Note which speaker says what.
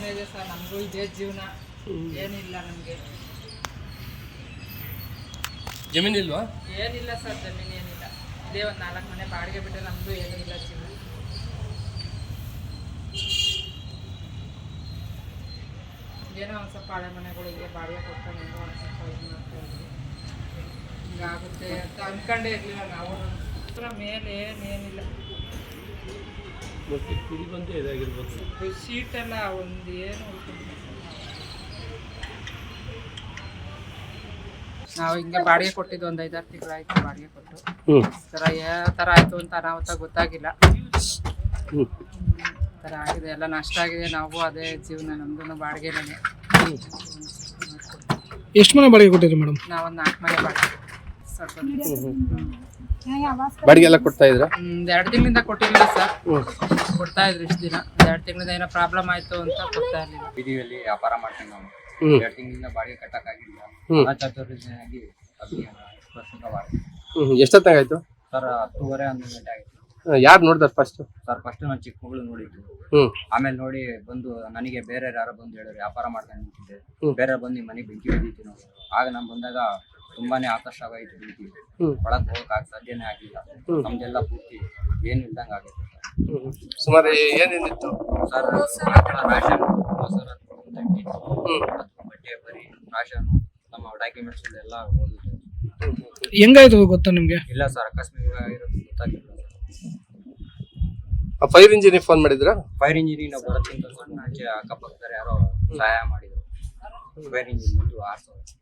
Speaker 1: ಮನೆ ಇದೆ ಸರ್, ನಮಗೂ ಇದೇ ಜೀವನ, ಏನಿಲ್ಲ ನಮಗೆ.
Speaker 2: ಜಮೀನಿಲ್ವಾ?
Speaker 1: ಏನಿಲ್ಲ ಸರ್, ಜಮೀನು ಏನಿಲ್ಲ. ಇದೇ ಒಂದು 4 ಮನೆ ಬಾಡಿಗೆ ಬಿಟ್ಟರೆ ನಮಗೂ ಏನೂ ಇಲ್ಲ ಜೀವನ. ಏನೋ ಒಂದು ಸ್ವಲ್ಪ ಹಳೆ ಮನೆಗಳಿಗೆ ಬಾಡಿಗೆ ಕೊಡ್ಕೊಂಡು ಏನೋ ಒಂದು ಸ್ವಲ್ಪ ಇದು ಮಾಡ್ತಾ ಇದ್ವಿ. ಹಿಂಗಾಗುತ್ತೆ ಅಂತ ಅಂದ್ಕೊಂಡೇ ಇರಲಿಲ್ಲ ನಾವು. ಮೇಲೆ ಏನಿಲ್ಲ, ಶೀಟೆಲ್ಲ ಒಂದು ಏನು ನಾವು ಹಿಂಗೆ ಬಾಡಿಗೆ ಕೊಟ್ಟಿದ್ದು ಒಂದು 5-6 ತಿಂಗಳಾಯ್ತು ಬಾಡಿಗೆ ಕೊಟ್ಟು. ಥರ ಯಾವ ಥರ ಆಯಿತು ಅಂತ ಅನಾಹುತ ಗೊತ್ತಾಗಿಲ್ಲ. ಥರ ಆಗಿದೆ, ಎಲ್ಲ ನಷ್ಟ ಆಗಿದೆ. ನಾವು ಅದೇ ಜೀವನ, ನಮ್ದು ಬಾಡಿಗೆನೇ.
Speaker 3: ಎಷ್ಟು ಮನೆ ಬಾಡಿಗೆ ಕೊಟ್ಟಿದ್ರಿ ಮೇಡಮ್?
Speaker 1: ನಾವೊಂದು 4 ಮನೆ ಬಾಡಿಗೆ ಸ್ವಲ್ಪ
Speaker 2: ಬಾಡಿಗೆ ಎಲ್ಲ ಕೊಡ್ತಾ ಇದ್ರ?
Speaker 1: 2 ತಿಂಗಳಿಂದ ಕೊಟ್ಟಿರಲಿಲ್ಲ ಸರ್, ಕೊಡ್ತಾ ಇದ್ರು ಇಷ್ಟು ದಿನ. 2 ತಿಂಗಳಿಂದ ಏನೋ ಪ್ರಾಬ್ಲಮ್ ಆಯಿತು ಅಂತ ಕೊಡ್ತಾ ಇರಲಿಲ್ಲ.
Speaker 4: ಬೀದಿಯಲ್ಲಿ ವ್ಯಾಪಾರ ಮಾಡ್ಕೊಂಡು ನಾವು 2 ತಿಂಗಳಿಂದ ಬಾಡಿಗೆ ಕಟ್ಟಕ್ಕಾಗಿಲ್ಲ.
Speaker 2: ಎಷ್ಟೊತ್ತಾಗ ಆಯ್ತು
Speaker 4: ಸರ್? 10:30 11 ಗಂಟೆ ಆಗಿತ್ತು.
Speaker 2: ಯಾರು ನೋಡಿದಾರೆ ಫಸ್ಟ್?
Speaker 4: ಸರ್ ಫಸ್ಟ್ ನಾನು ಚಿಕ್ಕ ಮಗಳು ನೋಡಿದ್ದು. ಆಮೇಲೆ ನೋಡಿ ಬಂದು ನನಗೆ ಬೇರೆ ಯಾರೋ ಬಂದು ಹೇಳಿದ್ರು, ವ್ಯಾಪಾರ ಮಾಡ್ಕೊಂಡು ನಿಂತಿದ್ದೆ, ಬೇರೆ ಬಂದು ನಿಮ್ಮ ಮನೆಗೆ ಬೆಂಕಿ ಬಿದ್ದಿತ್ತು ನಾವು. ಆಗ ನಾನು ಬಂದಾಗ ತುಂಬಾನೇ ಆತಂಕ ಆಗೋಯ್ತು. ಬೆಂಕಿ ಒಳಗೆ ಹೋಗಕ್ಕೆ ಸಾಧ್ಯನೇ ಆಗಿಲ್ಲ. ನಮ್ದೆಲ್ಲ ಪೂರ್ತಿ ಏನು ಇಲ್ದಂಗೆ ಆಗುತ್ತೆ
Speaker 2: ಸುಮಾರು ಏನೇನಿತ್ತು
Speaker 4: ಸರ್. ರಾಶನ್, ಮೊಸರು, ಬಟ್ಟೆ, ಬರೀ ರಾಶನ್, ನಮ್ಮ ಡಾಕ್ಯುಮೆಂಟ್ಸ್ ಎಲ್ಲ ಹೋಗುತ್ತೆ.
Speaker 3: ಹೆಂಗಾಯ್ತು ಗೊತ್ತಾ ನಿಮ್ಗೆ?
Speaker 4: ಇಲ್ಲ ಸರ್, ಅಕಸ್ಮಾತ್ ಆಗಿರೋದು ಗೊತ್ತಾಗಿಲ್ಲ.
Speaker 2: ಫೈರ್ ಇಂಜಿನಿಯರ್ ಫೋನ್ ಮಾಡಿದ್ರಾ?
Speaker 4: ಫೈರ್ ಇಂಜಿನಿಯರ್ ಬರೋಕ್ಕಿಂತ ಸ್ವಲ್ಪ ಮುಂಚೆ ಅಕ್ಕಪಕ್ಕದವ್ರು ಯಾರೋ ಸಹಾಯ ಮಾಡಿದ್ರು. ಫೈರ್ ಇಂಜಿನ್ ಬಂದು 6,000